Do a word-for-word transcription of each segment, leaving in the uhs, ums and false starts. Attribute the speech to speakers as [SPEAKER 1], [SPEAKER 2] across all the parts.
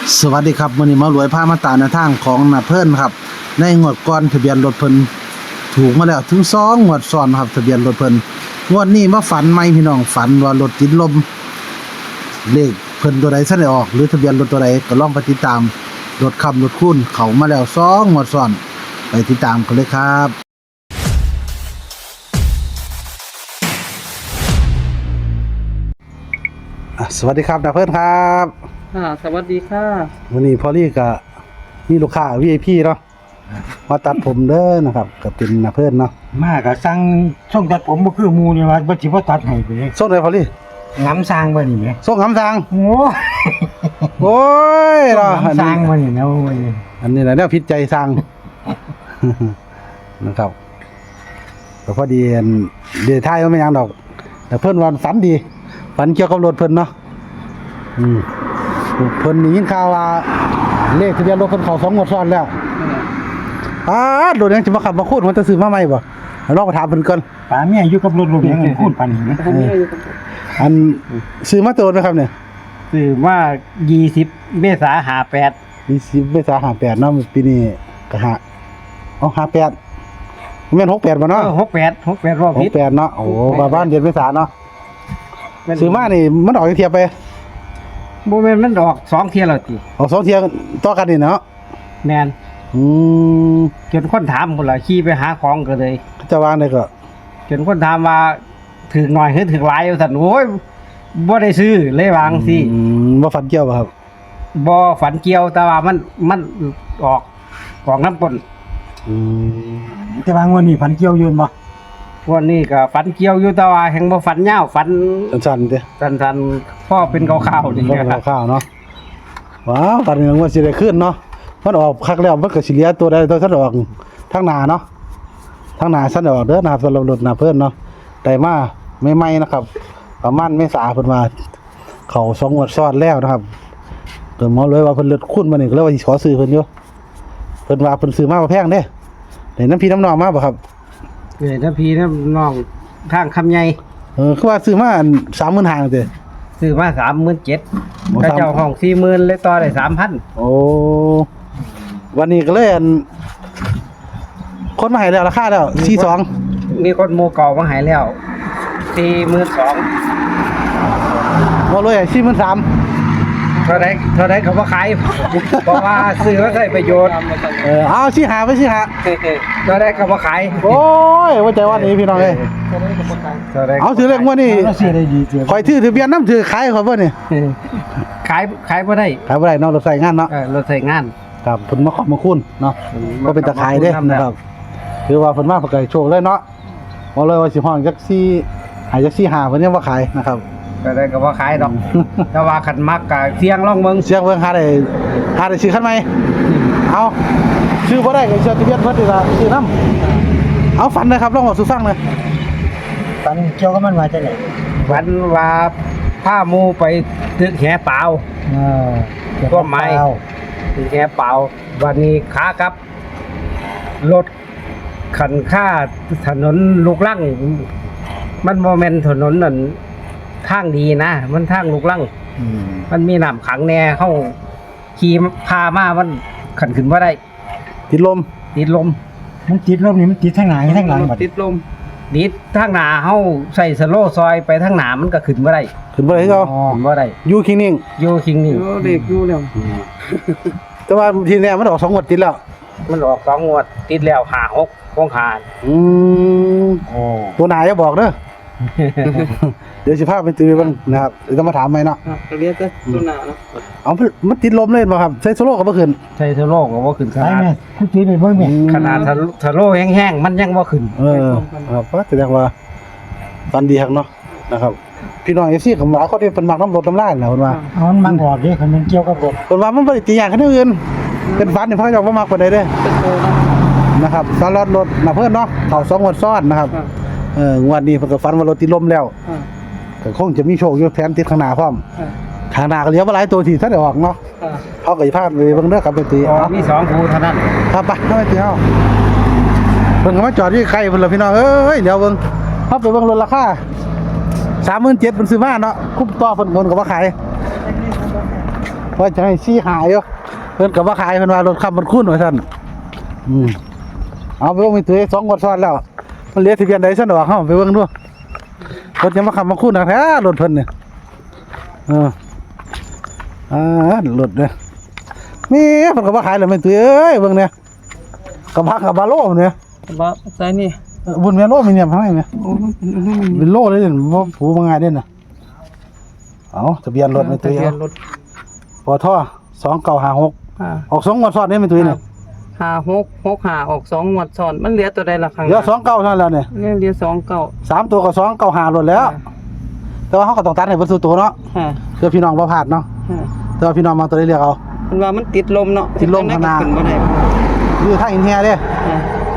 [SPEAKER 1] สวัสดีครับมื้อนี้มารวยพามาตามแนวทางของนาเพิ่นครับในงวดก่อนทะเบียนรถเพิ่นถูกมาแล้วถึงสองงวดซ้อนครับทะเบียนรถเพิ่นงวดนี้มาฝันใหม่พี่น้องฝันว่ารถติดลมเลขเพิ่นตัวใดซะได้ออกหรือทะเบียนรถตัวใดก็ลองไปติดตามรถขับรถคูณเข้ามาแล้วสองงวดซ้อนไปติดตามกันเลยครับสวัสดีครับนาเพิ่นครับ
[SPEAKER 2] ค่ะสวัสดีค่ะ
[SPEAKER 1] วันนี้พอลี่ก็มีลูกค้า วี ไอ พี เนาะมาตัดผมเด้อนะครับก็เป็นนาเพิ่นเนาะ
[SPEAKER 3] มาก็สั่งส่งตัดผมบ่คือหมู่นี่ว่าบ่สิบ่ตัดให้ไป
[SPEAKER 1] ส่งได้พอลี่
[SPEAKER 3] งำสร้างบ่นี่แหม
[SPEAKER 1] ส่งหำทาง
[SPEAKER 3] โอ้
[SPEAKER 1] โอ้ยเนาะ
[SPEAKER 3] งำสร้างบ่นี่นะโอ้ย
[SPEAKER 1] อันนี้แหละแนวผิดใจสร้าง นะครับก็พอดีอันเดี๋ยวท้ายมันไม่ยังดอกแต่เพิ่นวันฝันดีฝันเกี่ยวกับรถเพิ่นเนาะอืมเพิ่นได้ยินข่าวว่าเลขทะเบียนรถเพิ่นเข้าสองงวดซ้อนแล้วอ้ารถยังสิมาขับมาคูดมันจะซื้อมาใหม่บ่ลองไปถามเพิ่นก่อน
[SPEAKER 3] ป้าเมียอยู่กับรถลูกยังพูดปานนี้นะ
[SPEAKER 1] อันซื้อมาโตนมั้ยครับเนี่ย
[SPEAKER 3] ซื้อมายี่สิบเมษายนห้าแปด
[SPEAKER 1] ยี่สิบเมษายนห้าแปดเนาะปีนี้ก็ห้าอ๋อห้าแปดแม่นหกแปดบ่เนาะ
[SPEAKER 3] เออหกแปด หกแปดรอบผิด
[SPEAKER 1] หกแปดเนาะโอ้บ้านบ้านเดือนเมษายนเนาะซื้อมานี่มันออกเทียบไป
[SPEAKER 3] บ่แม่นมันดอกสองเที่ยแล้วติ
[SPEAKER 1] ออกสองเที่ยต่อกันนี่เนาะ
[SPEAKER 3] แม่น
[SPEAKER 1] อืม
[SPEAKER 3] จนคนถามพุ่นล่ะขี่ไปหาของก็เลย
[SPEAKER 1] จะวางได้ก็
[SPEAKER 3] จนคนถามว่าถึงหน่อยหรือถึงหลายว่าซั่นโอ้ยบ่ได้ซื้อเลยวางสิ
[SPEAKER 1] อืมบ่ฝันเกี่ยวบ่ครับ
[SPEAKER 3] บ่ฝันเกี่ยวแต่ว่ามันมันออกออกน้ำปน
[SPEAKER 1] อืม
[SPEAKER 3] แต่ว่างวดนี้ฝันเกี่ยวอยู่บ่วันนี้ก็ฝันเกี่ยวอยู่แต่ว่าแห่งบ่ฝันยาวฝัน
[SPEAKER 1] สั้นๆเด้
[SPEAKER 3] สั้นๆพอเป็นคร่าวๆนี่
[SPEAKER 1] คร่าวๆเนาะว้าวฝันเรื่องว่าสิได้ขึ้นเนาะมันออกคักแล้วมันก็สิเหลือตัวใดตัวซั่นออกทางหน้าเนาะทางหน้าซั่นออกเด้อนะครับสำหรับรถหน้าเพิ่นเนาะได้มาใหม่ๆนะครับประมาณเมษาเพิ่นว่าเข้าสองงวดซ้อนแล้วนะครับเพิ่นหมอเลยว่าเพิ่นเลือดคุ้นมานี่ก็เลยว่าสิขอซื้อเพิ่นอยู่เพิ่นว่าเพิ่นซื้อมาบ่แพงเด้ได้น้ำพี่น้ำน้องมาบ่ครับ
[SPEAKER 3] เอ้ยน้ำพี่น้ำน้องทางคำใหญ่
[SPEAKER 1] เออคือว่าซื้อมา สามหมื่นห้าพัน เด้
[SPEAKER 3] ซื้อมา สามหมื่นเจ็ดพัน กระเจ้าห้อง สี่หมื่น เลยต่อได้ สามพัน
[SPEAKER 1] โอ้วันนี้ก็เลยอันคนมาให้แล้วราคาแล้วสี่สิบสอง
[SPEAKER 3] มีคนโมเก่ามาให้แล้ว สี่หมื่นสอง
[SPEAKER 1] พัน บ่เลยสี่หมื่นสามพัน
[SPEAKER 3] เท่าใดเท่าใดเขาบ่ขายเพราะว่าซื้อมาใช้ประโยชน์
[SPEAKER 1] เออเอาสิหาไปสิหา
[SPEAKER 3] เท่าใดเขาบ่ขาย
[SPEAKER 1] โอ้ยว่าใจว่านี้พี่น้องเอ้ยเอาถือเลขงวดนี้ข่อยถือทะเบียนนำถือขายข่อยบ่นี่
[SPEAKER 3] ขายขายบ่ได้
[SPEAKER 1] ขายบ่ได้เนาะรถใช้งานเนาะ
[SPEAKER 3] เออรถใช้งาน
[SPEAKER 1] ครับเพิ่นมาขอบมาคุณเนาะบ่เป็นตะขายเด้นะครับคือว่าเพิ่นมาเพิ่นก็โชคเลยเนาะบ่เลยว่าสิฮ้องจักสี่ให้จักสี่ห้าเพิ่นยังบ่ขายนะครับ
[SPEAKER 3] ก็ได้ก็บ่ขายดอกแต่ว่าคันมักก็เสี่ยงลองเบิ่ง
[SPEAKER 1] เสี่ยงเบิ่งหาได้หาได้ซื้อคันใหม่เอาซื้อบ่ได้ก็ซื้อทะเบียนเพิ่นนี่ล่ะซื้อนำเอาฝันนะครับลองเว้าสู่ฟังหน่อย
[SPEAKER 3] ฝันเกี่ยวกับมันว่าจังได๋ฝันว่าพาหมู่ไปตึกแหเปล่าเออก็ไม้ตึกแหเปล่าวันนี้ขากลับรถคันค่าถนนลูกรังมันบ่แม่นถนนนั่นทางดีนะมันทางลูกลังมันมีน้ำขังแน่เฮาขี่พามามันขันขึ้นบ่ได้
[SPEAKER 1] ติดลม
[SPEAKER 3] ติดลมมันติดลมนี่มันติดทางหน้าทางหลังบัดติดลมติดทางหน้าเฮาใส่สโลว์ซอยไปทางหน้ามันก็ขึ้นบ่ได้
[SPEAKER 1] ขึ้นบ่ได้คือเก่า
[SPEAKER 3] ขึ้นบ่ได้
[SPEAKER 1] อยู่คิงนิ่ง
[SPEAKER 3] อยู่คิงนิ่ง
[SPEAKER 2] โอ้เด็กอยู่แล้ว
[SPEAKER 1] แต่ว่าทีนี้มันออกสองงวดติดแล้ว
[SPEAKER 3] มันออกสองงวดติดแล้วห้า หกคงขาด
[SPEAKER 1] อืมโอ้ตัวหน้าอย่าบอกเด้อเดี๋ยวสิพาไปตื้อเบิ่งนะครับเดี๋ยวต้องมาถามใหม่เนาะ
[SPEAKER 2] ก็เรียกแต่ตัวหน้าเนาะ
[SPEAKER 1] เอามันติดลมเลยบ่ครับใส่โซโล่ก็บ่ขึ้น
[SPEAKER 3] ใส่โซโล่ก็บ่ขึ้นขนาดผู้ตีไปเบิ่งแม่ขนาดโซโล่แห้งๆมันยังบ่ขึ้น
[SPEAKER 1] เออครับก็แสดงว่าฟันดีฮักเนาะนะครับพี่น้อง เอฟ ซี ก็ว่าเขาได้เพิ่นมักน้ำรถน้ำลายน่ะเพิ่นว่า
[SPEAKER 3] อ๋อมันมักออกเด้คันมันเกี่ยวกับรถ
[SPEAKER 1] เพิ่นว่ามันบ่ได้ตีอย่างคันอื่นเป็นฟันนี่เพิ่นก็บ่มักปานใดเด้นะครับสำหรับรถน่ะเพิ่นเนาะเข้าสองงวดซ้อนนะครับเอองวดนี้เพิ่นก็ฝันว่ารถติดลมแล้วก็คงจะมีโชคอยู่แถมติดข้างหน้าพร้อมข้างหน้าก็เหลือบ่หลายตัวที่ทันได้ออกเนาะเฮาก็สิพาไปเบิ่งเด้อครับไปตี
[SPEAKER 3] อ๋อมีสองคู่เท่านั้น
[SPEAKER 1] ครับไปไปตีเฮาเพิ่นก็มาจอดอยู่ใกล้เพิ่นล่ะพี่น้องเอ้ยเดี๋ยวเบิ่งเฮาไปเบิ่งรถราคา สามหมื่นเจ็ดพัน เพิ่นซื้อมาเนาะคุ้มต่อเพิ่นเพิ่นก็บ่ขายว่าจะให้ชี้หายอยู่เพิ่นก็บ่ขายเพิ่นว่ารถขับมันคุ้นว่าซั่นอืมเอาไปเบิ่งมีตัวสองงวดซ้อนแล้วมันเหลือทะเบียนใดซั่นดอกเฮาไปเบิ่งดูรถจะมาขับมาคุ้นนะแท้รถเพิ่นเนี่ยเอออ่ารถเนี่ยมีเพิ่นก็บ่ขายแล้วแม่ตุ้ยเอ้ยเบิ่งเนี่ยกระบะกับบาโลเนี่ย
[SPEAKER 2] บ่ใส่นี่
[SPEAKER 1] บุญแม่โลมีเนี่ยทำไมแม่
[SPEAKER 2] โอ้มันเป็นอันนี้มัน
[SPEAKER 1] เป็นโลเลยเนี่ยบ่ผูบ่ง่ายเด้น่ะเอาทะเบียนรถแม่ตุ้ย
[SPEAKER 2] ทะเบียนรถ
[SPEAKER 1] ปอท่อสองเก้าห้าหก
[SPEAKER 2] อ่า
[SPEAKER 1] ออกสองงวดซ้อนเนี่ยแม่ตุ้ยเนี่ย
[SPEAKER 2] ห้าหกหกห้าออกสองงวดซ้อนมันเหลือตัวใดล่ะข้างห
[SPEAKER 1] เหลือ
[SPEAKER 2] น้า
[SPEAKER 1] สองเก้าเท่านั้นแล้วเนี่ย
[SPEAKER 2] เนี่ยเหลือสองเก้า
[SPEAKER 1] สามตัวก็สองเก้าห้ารถแล้ว แต่ว่าเขาก็ต้องตัดให้เบิดสู่ตัวเนาะ
[SPEAKER 2] ฮะ
[SPEAKER 1] เพื่อพี่น้องบ่พลาดเนาะ
[SPEAKER 2] ฮะ
[SPEAKER 1] แต่ว่าพี่น้องมาตัวได้เรียกเอา
[SPEAKER 2] มันว่ามันติดลมเนาะ
[SPEAKER 1] ติดลมข้างหน้า
[SPEAKER 2] ขึ้นบ่ได้
[SPEAKER 1] อยู่ทางอินเฮียเด้
[SPEAKER 2] ฮะ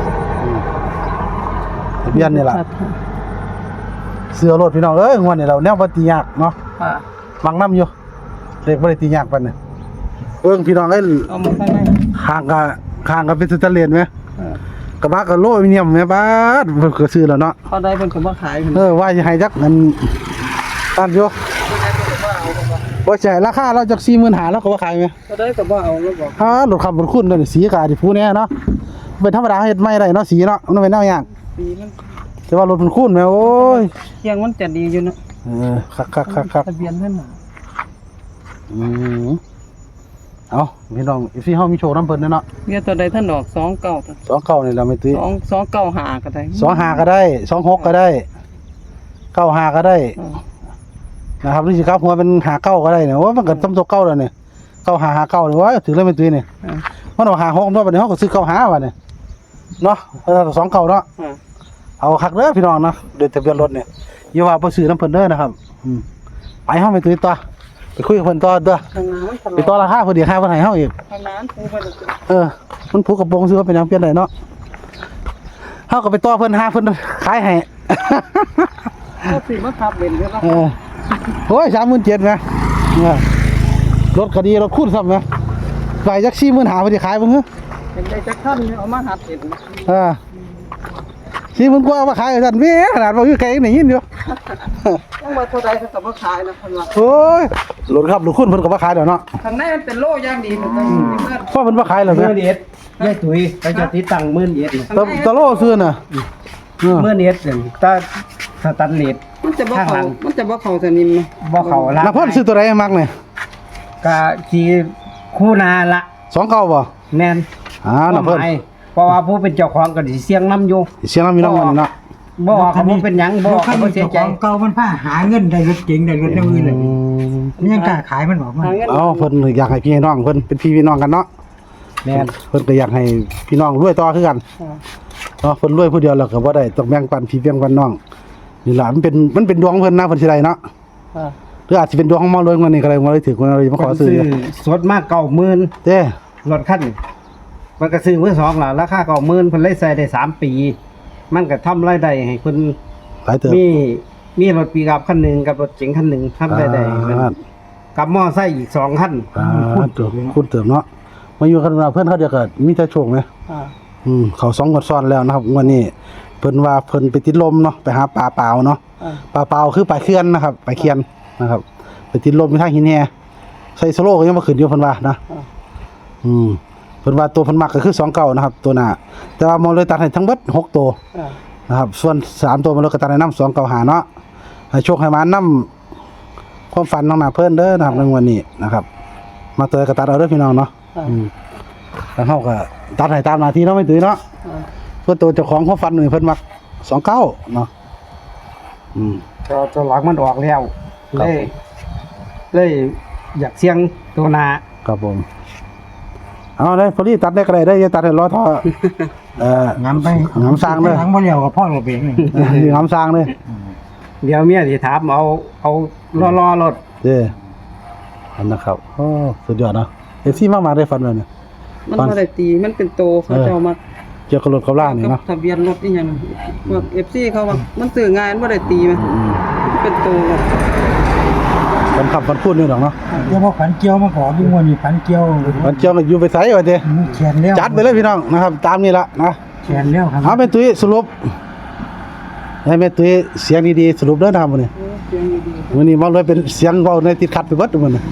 [SPEAKER 1] ทะเบียนนี่ล่ะเสือรถพี่น้องเอ้ยงวดนี้เราแนวบ่ตียากเนาะ
[SPEAKER 2] อ่า
[SPEAKER 1] มักน้ำอยู่เลขบ่ได้ตียากปานนี้เบิ่งพี่น้องเอ้ย
[SPEAKER 2] เอามาข้างใน
[SPEAKER 1] ข้างก็ข้างก็เป็นสแตนเลสไหม
[SPEAKER 2] อ่าก
[SPEAKER 1] ระบะก็โลอลูมิเนียมแม่บาดเพิ่นก็ซื้อแล้วเนาะ
[SPEAKER 2] เขาได้เพิ่นก็บ่ขายเพิ่น
[SPEAKER 1] เออว่าสิให้จักมันตัดอยู่บ่ใช่ราคาเราจัก สี่หมื่นห้าพัน แล้วก็บ่ขายไหม
[SPEAKER 2] เขาได้ก็บ่เอาแล้วบอก
[SPEAKER 1] ฮารถขับรถคุณนี่สีกาดิผู้แน่เนาะเป็นธรรมดาเฮ็ดไม่ได้เนาะสีเนาะมันเป็นแนวยาก
[SPEAKER 2] ปีมัน
[SPEAKER 1] แต่ว่ารถมันคุณแม่โอ้ย
[SPEAKER 2] เคียงมันจะดีอยู่เนาะ
[SPEAKER 1] เออคักๆๆ
[SPEAKER 2] ทะเบียนเพิ่นน่ะ
[SPEAKER 1] ๆอืมเอาพี่น้องอีซี่เฮามีโชว์นำเพิ่นเนาะ
[SPEAKER 2] เหลือตัวใดท่านดอกสองเก้าตัว
[SPEAKER 1] สองเก้านี่เราไม่ตื้อ
[SPEAKER 2] สองสองเก้าห้าก็ได้
[SPEAKER 1] สองห้าก็ได้สองหกก็ได้เก้าห้าก็ได้
[SPEAKER 2] อ่า
[SPEAKER 1] นะครับหรือสิครับหัวเป็นหาเก้าก็ได้เนี่ยว่ามันก็ต้มตัวเก้าแล้วเนี่ยเก้าหาหาเก้าเลยว่าถึงแล้วไม่ตื้อเนี่ย
[SPEAKER 2] อ่า
[SPEAKER 1] มันเอาหาหกตัวบัดนี้เฮาก็ซื้อเก้าหาว่ะเนี่ยเนาะเออสองเก้าเนาะ
[SPEAKER 2] อ่า
[SPEAKER 1] เอาคักเด้อพี่น้องนะโดยทะเบียนรถเนี่ยอย่าว่าบ่ซื้อน้ำเพิ่นเด้อนะครับอืมไปเฮาไปตื้อต่อไปคุยกับเพิ่นต่อเด้อ
[SPEAKER 2] ข้างหน้ามันตล
[SPEAKER 1] ไปต่อราคาเพิ่นอีกค่าเพิ่นให้เฮาอีก
[SPEAKER 2] ข้างหน้ามันปูไปเลย
[SPEAKER 1] เออมันผูกกระโปรงซื้อว่าเป็นหยังเปลี่ยนได้เนาะเฮาก็ไปต่อเพิ่นหาเพิ่นขายให้
[SPEAKER 2] ก็สิมาขับเล่นเด้อ
[SPEAKER 1] เออโอ้ย สามหมื่นเจ็ดแหมเออรถก็ดีรถคูณซ้ำแหมไปจัก สี่หมื่นห้าพันสิขายบ่ฮึ
[SPEAKER 2] เป็นได้จักท่านเอามาหัดเล่น
[SPEAKER 1] เออสี่หมื่นกว่าเอามาขายซั่นแหม่ขนาดบ่คือไกลยังได้ยินอยู่
[SPEAKER 2] ยังว่าเท่าใดเขาก็บ่ขายนะเพิ่นว่า
[SPEAKER 1] โอ้ยรถครับรถคูณเพิ่นก็บ่ขายแล้วเนาะ
[SPEAKER 2] ข้างในมันเป็นโล่อย่างดีมันต้องมีเพื่อน
[SPEAKER 1] เพราะเพิ่นบ่ขายแล้ว
[SPEAKER 3] ห
[SPEAKER 1] แหม
[SPEAKER 3] มื่นเอ็ดยายตุ๋ยไปจะติดตั้งหมื่นเอ็ดนี่
[SPEAKER 1] ตะตะโลซื้อน่ะเออ
[SPEAKER 3] หมื่นเอ็ดนี่ตาสตันเลส
[SPEAKER 2] มันจะบ่
[SPEAKER 3] ข้างหลั
[SPEAKER 2] เข้าง มันจะบ่เข้าสนิมนะ
[SPEAKER 3] บ่เข้าละ
[SPEAKER 1] นักพรซื้อตัวใดมักนี่
[SPEAKER 3] ก็สิคู่นาละ
[SPEAKER 1] สองเก้าบ่
[SPEAKER 3] แม่น
[SPEAKER 1] อ่านักพร
[SPEAKER 3] หมายเพราะว่าผู้เป็นเจ้าของก็สิเสียงนำอยู่
[SPEAKER 1] เสียงน้ำมีน้องมันเนาะ
[SPEAKER 3] บ่ว่าเขาบ่เป็นหยังบ่ว่าเขาบ่เสียใจ
[SPEAKER 4] ของเก่ามันผ้าหาเงินได้รถเก๋งได้รถอย่างอื่นเลย
[SPEAKER 1] อืม
[SPEAKER 4] มันยังกล้าขายมันบอกมัน
[SPEAKER 2] หาเงิน
[SPEAKER 1] เอาเพิ่นอยากให้พี่ให้น้องเพิ่นเป็นพี่พี่น้องกันเนาะ
[SPEAKER 3] แม่น
[SPEAKER 1] เพิ่นก็อยากให้พี่น้องรวยต่อคือกันเนาะเพิ่นรวยผู้เดียวแล้วก็บ่ได้ต้องแบ่งปันพี่แบ่งปันน้องนี่ล่ะมันเป็นมันเป็นดวงเพิ่นนะเพิ่นสิได้เนาะ
[SPEAKER 2] อ่า
[SPEAKER 1] หรืออาจสิเป็นดวงของหมอรวยมันนี่ก็ได้มาเลยถือคนเรามาขอซื้อ
[SPEAKER 3] สดมากเก้าหมื่น
[SPEAKER 1] เด้
[SPEAKER 3] รถคันนี้มันก็ซื้อมือสองล่ะราคาเก้าหมื่นเพิ่นเลยใส่ได้สามปี มันก็ทำรายได้ให้เพิ่น
[SPEAKER 1] หลายเติบ
[SPEAKER 3] มีมีรถปีกับคันหนึงกับรถเก๋งคันหนึงทำรายได้ให้เพิ่น
[SPEAKER 1] อ่า
[SPEAKER 3] กับมอไซค์อีกสองคัน
[SPEAKER 1] อ่าเติบคุณเติบเนาะมาอยู่กันเพิ่นเขาเดียวก็มีแต่โชคไหม
[SPEAKER 2] อ่า
[SPEAKER 1] อืมเขาสองงวดซ้อนแล้วนะครับงวันนี้เพิ่นว่าเพิ่นไปติดลมเนาะไปหาปลาเปล่าเนาะ
[SPEAKER 2] อ่า
[SPEAKER 1] ปลาเปล่าคือปลาเคียนนะครับปลาเคียนนะครับไปติดลมอยู่ทางหินแฮใส่โซโล่ก็ยังบ่ขึ้นอยู่เพิ่นว่านะ
[SPEAKER 2] อ่า
[SPEAKER 1] อืมเพิ่นว่าตัวเพิ่นมักก็คือสองเก้านะครับ ตัวหน้าแต่ว่ามองเลยตัดให้ทั้งเบิดหกตัว
[SPEAKER 2] อ่า
[SPEAKER 1] นะครับ ส่วนสามตัวมันเลยก็ตัดให้นำสองเก้าหาเนาะให้โชคให้มานำความฝันน้องหน้าเพิ่นเด้อนะครับในวันนี้นะครับ มาเตยก็ตัดเอาเด้อพี่น้องเนาะ
[SPEAKER 2] อ่า
[SPEAKER 1] อืมแล้วเฮาก็ตัดให้ตามหน้าที่เนาะไม่ตื้อเนาะ
[SPEAKER 2] อ่า
[SPEAKER 1] เพื่อตัวเจ้าของความฝันนี่เพิ่นมักสองเก้าเนาะอืม
[SPEAKER 3] ก็ตัวหลังมันออกแล้ว
[SPEAKER 1] ครั
[SPEAKER 3] เล
[SPEAKER 1] บ
[SPEAKER 3] ยเลยอยากเสี่ยงตัวหน้า
[SPEAKER 1] ครับผมเอาได้พอดีตัดได้ก็ได้ได้อย่าตัดให้ล้อท่อเอ่อ
[SPEAKER 4] งำไป
[SPEAKER 1] งำสร้างเลย
[SPEAKER 4] หลังบ่เลี้ยวกับพ่อเราเองนี่
[SPEAKER 1] นี่งำสร้างเลย
[SPEAKER 3] เดี๋ยวเมียสิถามเอาเอารอๆรถ
[SPEAKER 1] เด้ออันนะครับโอ้สุดยอดเนาะเอฟซีมากมาได้ฟันเลยเนี่ย
[SPEAKER 2] มัน
[SPEAKER 1] ฟัน
[SPEAKER 2] บ่ได้ตีมันเป็นโตเขาเจ้ามา
[SPEAKER 1] เกี่ยวกับรถกับล่างนี่
[SPEAKER 2] กับ
[SPEAKER 1] เนาะ
[SPEAKER 2] ทะเบียนรถนี่หยังพวก เอฟ ซี เขาว่ามันซื้อง่ายมันบ่ได้ตีมั้ย
[SPEAKER 1] อืม
[SPEAKER 2] เป็นโต
[SPEAKER 1] มันขับมันพูดนี่ดอกเนาะ
[SPEAKER 4] เดี๋ยวพอขันเกี่ยวมาขอยิ่งวันนี้ขันเกี่ยว
[SPEAKER 1] มันเกี่ยวกับอยู่ไปไสว่าเด้
[SPEAKER 4] มีเขียนแล้ว
[SPEAKER 1] จัดไปเลยพี่น้องนะครับ ตามนี้ละนะ
[SPEAKER 4] เขียนแล้วครับ
[SPEAKER 1] เอาแม่ตุ้ยสรุปให้แม่ตุ้ยเสียงดีๆสรุปเด้อนะครับมื้อนี้
[SPEAKER 2] เสียงดี
[SPEAKER 1] มื้อนี้มาเลยเป็นเสียงเว้าในติดขัดไปเบิดมื้อนี้
[SPEAKER 2] ๆ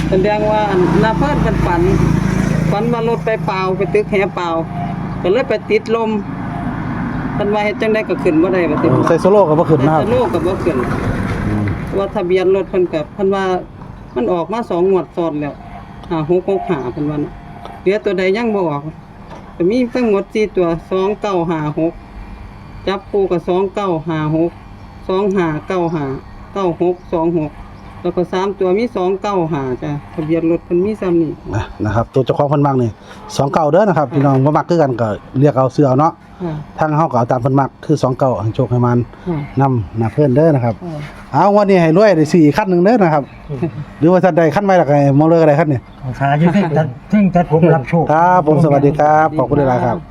[SPEAKER 2] แสดงว่าอันนาเพิ่นเป็นฝันฝันว่ารถไปเปล่าไปตึกแหเปล่าก็เลยไปติดลมเพิ่นว่าเฮ็ดจังได๋ก็ขึ้นบ่ได้บัดนี้
[SPEAKER 1] ใส่โซโล่ก็บ่ขึ้นนะครับ
[SPEAKER 2] แต่โลกก็บ่ขึ้นว่าทะเบียนรถเพิ่นก็เพิ่นว่ามันออกมาสองงวดซ้อนแล้วห้าหกหกห้าเพิ่นว่าน่ะเหลือตัวใดยังบ่ออกก็มีทั้งหมดสี่ตัวสองเก้าห้าหกจับคู่ก็สองเก้าห้าหก สองห้าเก้าห้า เก้าหกสองหกแล้วก็สามตัวมีสองเก้าห้าจ้ะทะเบียนรถเพิ่นมีซ้ำนี่
[SPEAKER 1] นะนะครับตัวเจ้าของเพิ่นมักนี่สองเก้าเด้อนะครับพี่น้องบ่มักคือกันก็เรียกเอาเสื้อเอาเนาะ
[SPEAKER 2] ค่ะ
[SPEAKER 1] ทางเฮาก็เอาตามเพิ่นมักคือสองเก้าให้โชคให้มัน
[SPEAKER 2] ค่ะ
[SPEAKER 1] นำหน้าเพิ่นเด้อนะครับ
[SPEAKER 2] ค่ะ
[SPEAKER 1] เอาวันนี้ให้รวยได้สี่คันหนึงเด้อนะครับ หรือว่าท่านใดคันใหม่ล่ะก็ให้มองเลยก็ได้คันนี้
[SPEAKER 4] เอาสาอยู่ซึ่งตัดซึ่งตัดผมรับโชค
[SPEAKER 1] ครับผมสวัสดีครับขอบคุณหลายๆครับ